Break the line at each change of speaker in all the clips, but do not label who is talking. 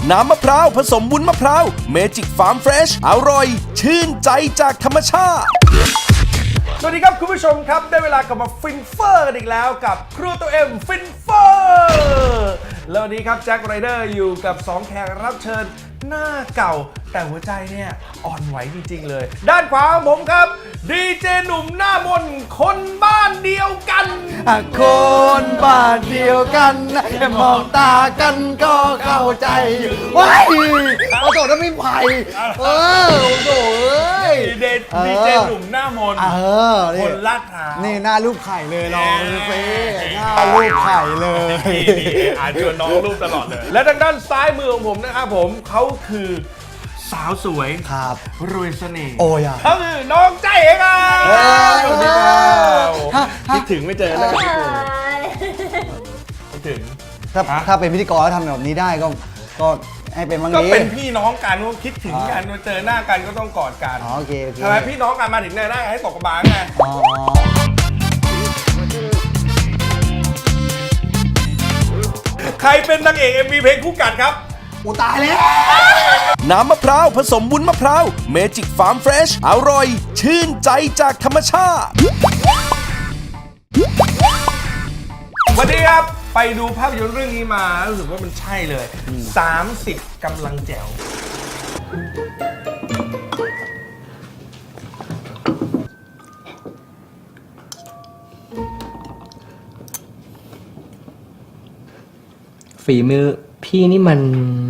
น้ำมะพร้าวผสมวุ้นมะพร้าวเมจิกฟาร์มเฟรชอร่อยชื่นใจจากธรรมชาติสวัสดีครับคุณผู้ชมครับได้เวลากลับมาฟินเฟอร์กันอีกแล้วกับครูตัวเอ็มฟินเฟอร์แล้ววันนี้ครับแจ็คไรเดอร์อยู่กับ2แขกรับเชิญหน้าเก่าแต่หัวใจเนี่ยอ่อนไหวจริงๆเลยด้านขวาของผมครับดีเจหนุ่มหน้ามนคนบ้านเดียวกัน
คนบ้านเดียวกันแค่มองตากันก็เข้าใจว้ายโอ้โหนั่นไม่ไผ่โอ้โห
ดีเจหนุ่มหน้ามนคนลาดพร้าว
นี่หน้ารูปไข่เลยลองดูสิหน้ารูปไข่เลย
อ่านชวนน้องรูปตลอดเลยและทางด้านซ้ายมือของผมนะครับผมเขาคือสาวสวย
ครับ
รวยเสน่ห์
โอ้ย
เขาคือน้องใจเองสวัสดีครับคิดถึงไม่เจอแล้วคิดถึง
ถ้าเป็นพิธีกรแล้วทำแบบนี้ได้ก็ให้เป็นบางที
ก็เป็นพี่น้องกันก็คิดถึงกันเจอหน้ากันก็ต้องกอดกัน
โอเค
ทำไมพี่น้องกันมาถึงหน้าให้ตกกระบาลไงใครเป็นนางเอก MV เพลงคู่กัดครับ
อูตายแล้ว
น้ำมะพร้าวผสมวุ้นมะพร้าวเมจิกฟาร์มเฟรชอร่อยชื่นใจจากธรรมชาติวันนี้ครับไปดูภาพยนตร์เรื่องนี้มารู้สึกว่ามันใช่เลย30กำลังแจ๋ว
ฝีมือพี่นี่มัน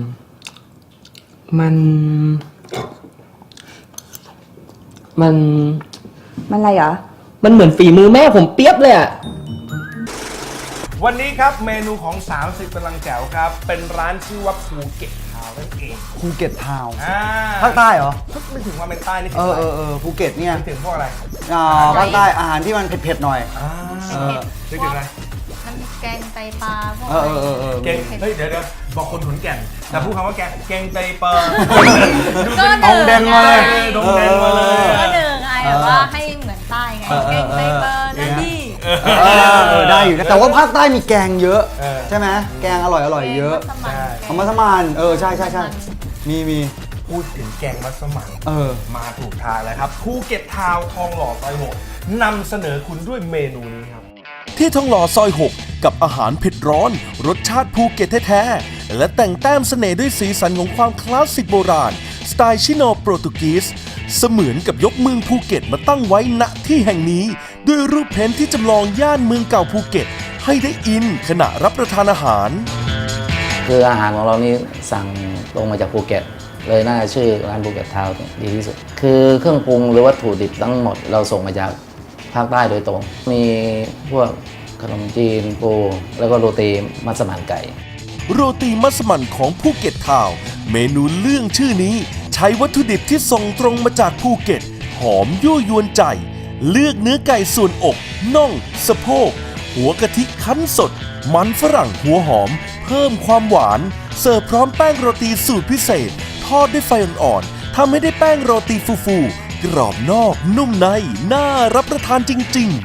อะไรเหรอ
มันเหมือนฝีมือแม่ผมเปียบเลยอะ
วันนี้ครับเมนูของ30กำลังแจ๋วครับเป็นร้านชื่อว่าภูเก็ตทาวน์นั่นเอง
ภูเก็ตทาวน์
ภา
คใต้เหรอ
ไม่ถึงว่าเป็นใต้นี่
ภูเก็ตเนี่ย
ถึงพวกอะไร
ภาคใต้อาหารที่มันเผ็ดๆหน่อย
นึกถึงอะไร
แกงไตปลาพวก
แกงเฮ้ยเดี๋ยวบอกคนขอนแก่นแต่พูดคำว่าแกงไตปลา
ดงแดงมาเลย
ดงแดงมาเลย
ก็เดินไงแบบว่าให้เหมือนใต้ไงแกงไตปลานั่นนี่
ได้อยู่นะแต่ว่าภาคใต้มีแกงเยอะใช่ไหมแกงอร่อยเยอะมัสมั่นใช่มี
พูดถึงแกงมัสมั่นมาถูกทางแล้วครับภูเก็ตทาวน์ทองหล่อซอย6นำเสนอคุณด้วยเมนูนี้ครับที่ทองหล่อซอย6กับอาหารเผ็ดร้อนรสชาติภูเก็ตแท้ๆและแต่งแต้มเสน่ห์ด้วยสีสันของความคลาสสิกโบราณสไตล์ชิโนโปรตุกีสเสมือนกับยกเมืองภูเก็ตมาตั้งไว้ณที่แห่งนี้ด้วยรูปเพ้นท์ที่จำลองย่านเมืองเก่าภูเก็ตให้ได้อินขณะรับประทานอาหาร
คืออาหารของเรานี่สั่งตรงมาจากภูเก็ตเลยน่าจะชื่อร้านภูเก็ตทาวน์ดีที่สุดคือเครื่องปรุงหรือวัตถุดิบทั้งหมดเราส่งมาจากภาคใต้โดยตรงมีพวกขนมจีนปูแล้วก็โรตีมัสมั่นไก่
โรตีมัสมั่นของภูเก็ตทาวน์เมนูเรื่องชื่อนี้ใช้วัตถุดิบที่ส่งตรงมาจากภูเก็ตหอมยั่วยวนใจเลือกเนื้อไก่ส่วนอกน่องสะโพกหัวกะทิคั้นสดมันฝรั่งหัวหอมเพิ่มความหวานเสิร์ฟพร้อมแป้งโรตีสูตรพิเศษทอดด้วยไฟอ่อนๆทำให้ได้แป้งโรตีฟูๆกรอบนอกนุ่มในน่ารับประทานจริงๆ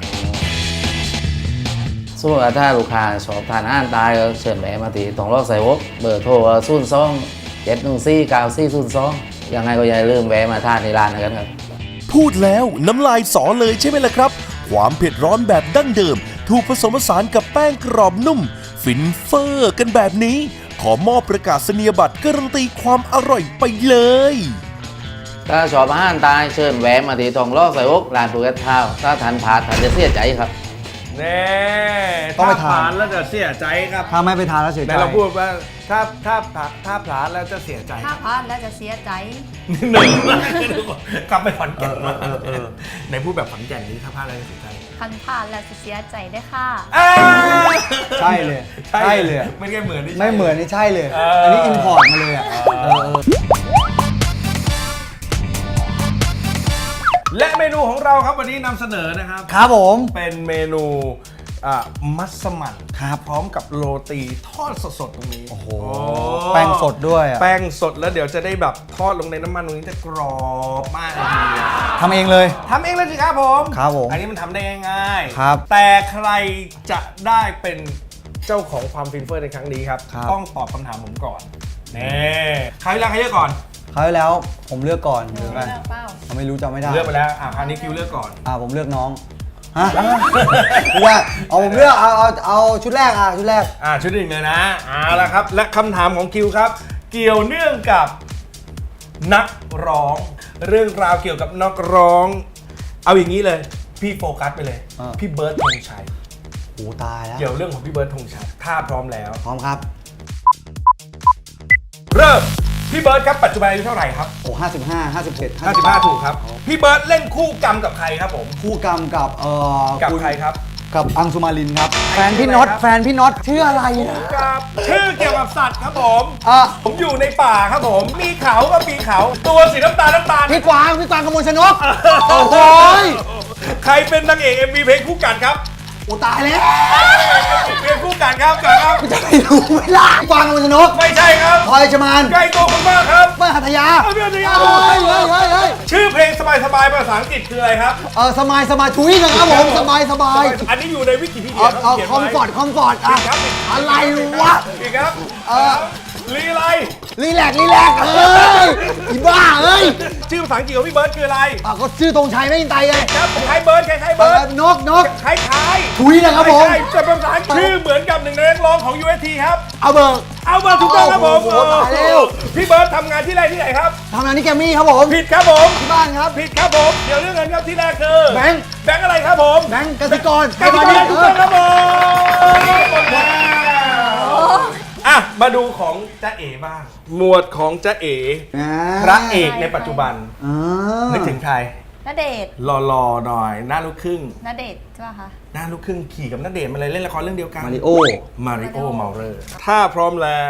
สมมติว่าถ้าลูกค้าชอบทานอาหารใต้ก็เชิญแวะมาที่ทองหล่อซอย6เบอร์โทร027149402ยังไงก็อย่าลืมแวะมาทานในร้านกันครับ
พูดแล้วน้ำลายสอเลยใช่ไหมล่ะครับความเผ็ดร้อนแบบดั้งเดิมถูกผสมผสานกับแป้งกรอบนุ่มฟินเฟอร์กันแบบนี้ขอมอบประกาศนียบัตรการันตีความอร่อยไปเลย
ถ้าชอบอาหารใต้เชิญแวะมาที่ทองหล่อซอย6ร้านภูเก็ตทาวน์ถ้าทานผ่านท่านจะเสียใจครับ
แน่ต้องไปทานแล้วจะเสียใจครับ
ถ้าไม่ไปทานแล้วเสียใจ
แต่เราพูดว่าถ้าพลาดแล้วจะเสียใจ
ถ้าพลาดแล้วจะเสียใจ
หนึ่งกลับไปขอนแก่นในพูดแบบขอนแก่นนี้ถ้าพลาดแล้วจะเสียใจ
คันพลาดแล้วจะเสียใจได้ค่ะ
ใช่เลย
ไม่ใช่เหมือน
ไม่เหมือนนี่ใช่เลยอันนี้อินพอร์ตมาเลย
และเมนูของเราครับวันนี้นำเสนอนะครับ
ครับผม
เป็นเมนูมัสมั่นพร้อมกับโรตีทอดสดๆตรงนี้
โอ้โหแป้งสดด้วย
แป้งสดแล้วเดี๋ยวจะได้แบบทอดลงในน้ำมันตรงนี้จะกรอบมากเลย
ทำเองเลย
สิครับผมอันนี้มันทำได้ง่ายๆครับแต่ใครจะได้เป็นเจ้าของความฟินเฟอร์ในครั้งนี้ครับต้องตอบคำถามผมก่อนนี่คราวที่แล้วใครเลือกก่อน
คราวที่แล้วผมเลือกก่อนหรือไง
เลือกเปล่า
ไม่รู้จำไม่ได้
เลือกไปแล้วคราวนี้คิวเลือกก่อน
ผมเลือกน้องฮะไม่ได้เอาผมเลือกเอาชุดแรกชุดแรก
ชุดหนึ่งเลยนะละครับ และคำถามของคิวครับ เกี่ยวเนื่องกับนักร้อง เรื่องราวเกี่ยวกับนักร้อง เอาอย่างนี้เลย พี่โฟกัสไปเลย พี่เบิร์ดธงชัย
โอ้ตายแล้ว
เกี่ยวเรื่องของพี่เบิร์ดธงชัยถ้าพร้อมแล้ว
พร้อมครับ
เริ่มพี่เบิร์ดครับปัจจุบันอายุเท่าไหร่ครับ
โอ้55 57
55ถูกครับพี่เบิร์ดเล่นคู่กรรมกับใครครับผม
คู่กรรมกับ
กับ
คุณ
ใครครับ
กับอังสุมารินครับ
ไอ้
แฟนพี่
ชื่อ
น็อต
อะไรครับ
แฟนพี่น็อตชื่ออะไรนะ
กับชื่อเกี่ยวกับสัตว์ครับผม
อ่ะ
ผมอยู่ในป่าครับผม มีเขาก็มีเขา ตัวสีน้ำตาล
พี่กวางกมลชนกโอ้โหย
ใครเป็นนางเอก MV เพลงคู่กันครับ
โอ้ตายแล้ว
เพลงคู่กันครับกันครับ
จะไม่รู้ไหมล่ะกวางกมลชนก
ไม่ใช่ครับ
พลอยชมาน
ใกล้ตัวคุณมากครับ
เปิ้ลหัตถยา
เพื่อนจะยา
เฮ้ย
ชื่อเพลงสบายๆภาษาอังกฤษคืออะไรครับ
สมายทุยนะครับผมสบาย
อันนี้อยู่ในวิกิพีเดียเขาเขียน
คอม
ไว้
ฟอร์ต
ผิดครับ
อะไรวะ
อีกครับลีไร
รีแลกซ์อีบ้าเอ้ย
ชื่อภาษาอังกฤษของพี่เบิร์ดคืออะไร
ก็ชื่อธงชัยไม่ยินไตไง
ครับคล้ายเบิร์ดคล้ายเบิร์ด
นก
คล้ายๆ
ทุยนะครับผม
ไใช่แต่เป็นภาษาอังกฤษชื่อเหมือนกับหนึ่งในนักร้องของ UST ครับ
เอาเบิร์ก
เอามาถูกต้องครับผม
โอ้โหตายแล้ว
พี่เบิร์ดทำงานที่แรกที่ไหนครับ
ทำงานที่แกรมมี่ครับผม
ผิดครับผม
ที่บ้านครับ
ผิดครับผมเดี๋ยวเรื่องเงินครับที่แรกคือ
แบงค์
แบงค์อะไรครับผม
แบงค์กสิกร
กสิกรถูกต้องครับผมหมดแล้วมาดูของจ๊ะเอ๋บ้าง หมวดของจ๊ะเอ๋พระเอกในปัจจุบันนึกถึงใคร
ณเดชน์
หล่อๆหน่อยหน้าลูกครึ่ง
ณเดชน์ใช่ป่ะคะ
หน้าลูกครึ่งขี่กับณเดชน์มาเลยเล่นละครเรื่องเดียวกัน
มาริโอ
มาริโอเมาเลอร์ถ้าพร้อมแล้ว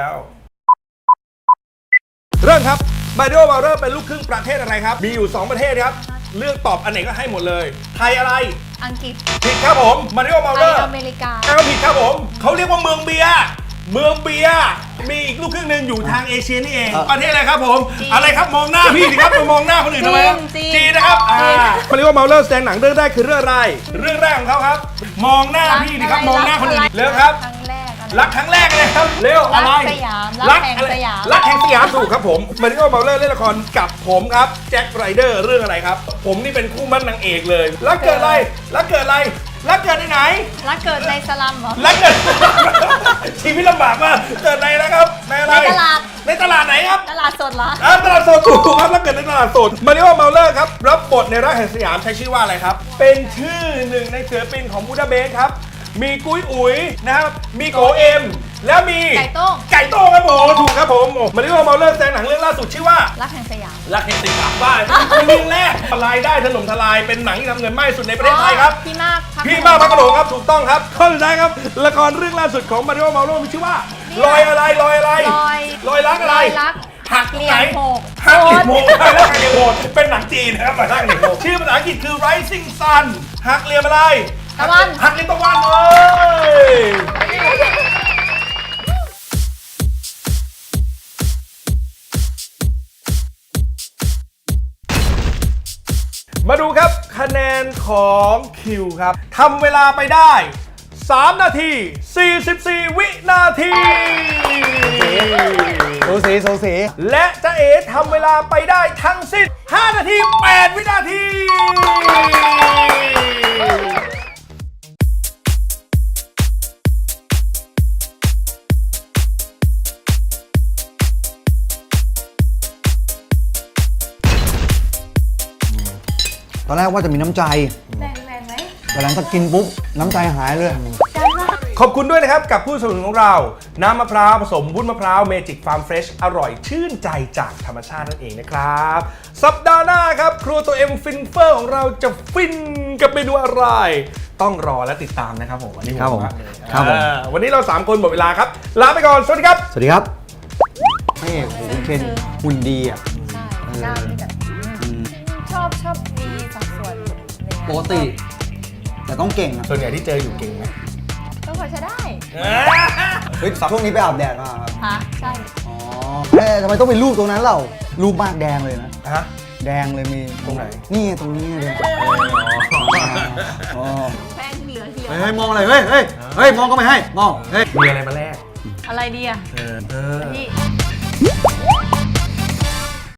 เริ่มครับมาริโอเมาเลอร์เป็นลูกครึ่งประเทศอะไรครับ มีอยู่ 2 ประเทศครับ เลือกตอบอันไหนก็ให้หมดเลย ไทยอะไร
อังกฤษ
ผิดครับผมมาริโอเมา
ไท
เลย ร์
อเมริกา
ก็ผิดครับผม เขาเรียกว่าเมืองเบียร์เมืองเบียร์มีอีกลูกครึ่งหนึ่งอยู่ทางเอเชียนี่เอง ประเทศอะไรครับผม
จีน
อะไรครับมองหน้าพี่สิครับไปมองหน้าคนอื่นทำไมครับ
จีน
จีนนะครับ
จีน
มาริโอเมาเลอร์แสดงหนังเรื่องแรกคือเรื่องอะไร เรื่องแรกของเขาครับ มองหน้าพี่สิครับมองหน้าคนอื่นเร็วครับ
ครั้งแรกอะไร
รักครั้งแรกเลยครับเร็วอะไร
รักสยามรักแห่งสยาม
รักแห่งสยามถูกครับผมมาริโอเมาเลอร์เล่นละครกับผมครับแจ็คไรเดอร์เรื่องอะไรครับ ผมนี่เป็นคู่มั่นนางเอกเลยรักเกิดอะไรรักเกิดอะไรรักเกิดในไหน
รักเกิดในสลัมเหรอ
รักเกิด ชีวิตลำบากมากเกิดในนะครับในอะไร
ในตลาด
ในตลาดไหนครับ
ตลาดสดเหรอ
ตลาดสดถูกครับรักเกิดในตลาดสดมาริโอเมาเลอร์ครับรับบทในรักแห่งสยามใช้ชื่อว่าอะไรครับเป็นชื่อหนึ่งในศิลปินของบูดาเปสต์ครับมีกุ้ยอุ๋ยนะครับมีโกเอ็มแล้วมี
ไก่โต้ง
ไก่โต้งครับผมถูกครับผมมาริโอเมาเลอร์แสดงหนังเรื่องล่าสุดชื่อว่า
รักแห่งสยาม
รักแห่งสยามบ้านเป็นเรื่องแรกรายได้ถล่มทลายเป็นหนังที่ทำเงินมากที่สุดในประเทศไทยครับ
พี่มากครับ
พี่มากพักกระโดงครับถูกต้องครับข้อสุดท้ายครับละครเรื่องล่าสุดของมาริโอเมาโลมีชื่อว่าลอยอะไรลอยอะไรลอยรักอะไร
ลอยรัก
หักตรงไหน
เหลี่ยมโหด
หักเหลี่ยมโหดหักเหลี่ยมโหดเป็นหนังจีนนะครับหักเหลี่ยมโหดชื่อภาษาอังกฤษคือ Rising Sun หักเหลี่ยมอะไร
ตะวัน
หักเหลี่ยมตะวันเลย มาดูครับคะแนนของคิวครับทำเวลาไปได้3 นาที 44 วินาที
โซเส
และจ๊ะเอ๋ทำเวลาไปได้ทั้งสิ้น5 นาที 8 วินาที
ตอนแรกว่าจะมีน้ำใจ
แรงไหม
แต่หลังจากกินปุ๊บน้ำใจหายเลย
ขอบคุณด้วยนะครับกับผู้สนับสนุนของเรา น้ำมะพร้าวผสมวุ้นมะพร้าวเมจิกฟาร์มเฟรชอร่อยชื่นใจจากธรรมชาตินั่นเองนะครับ สัปดาห์หน้าครับ ครัวตัวเอ็มฟินเฟอร์ของเราจะฟินกับเมนูอะไร ต้องรอและติดตามนะครับผมวันนี้
ครับผม
ากเลย
ครับผม
วันนี้เรา 3 คนหมดเวลาครับ ลาไปก่อน สวัสดีครับ
สวัสดีครับพระเอกโหคุณเคนหุ่นดีอ่ะ
ใช่หน้านี่แบบชอบมีสัดส่วนอะไรเงี้ย
ปกติ แต่ต้องเก่งอ่ะ
ส่วนใหญ่ที่เจออยู่เก่งไหม
ก็พอใช้ได้
เฮ้ยช่วงนี้ไปอาบแดดมาครับ
ฮะใช่
อ๋อทำไมต้องเป็นรูปตรงนั้นเรารูปมากแดงเลยนะ
ฮะ
แดงเลยมี
ตรงไหน
นี่ตรงนี้เลยอ๋อ
แป้งเหลือ
เฮ้ยมองอะไรเฮ้ยมองก็ไม่ให้มองเฮ้ย
มีอะไรมาแลก
อะไรดีอะ
เออ
พี่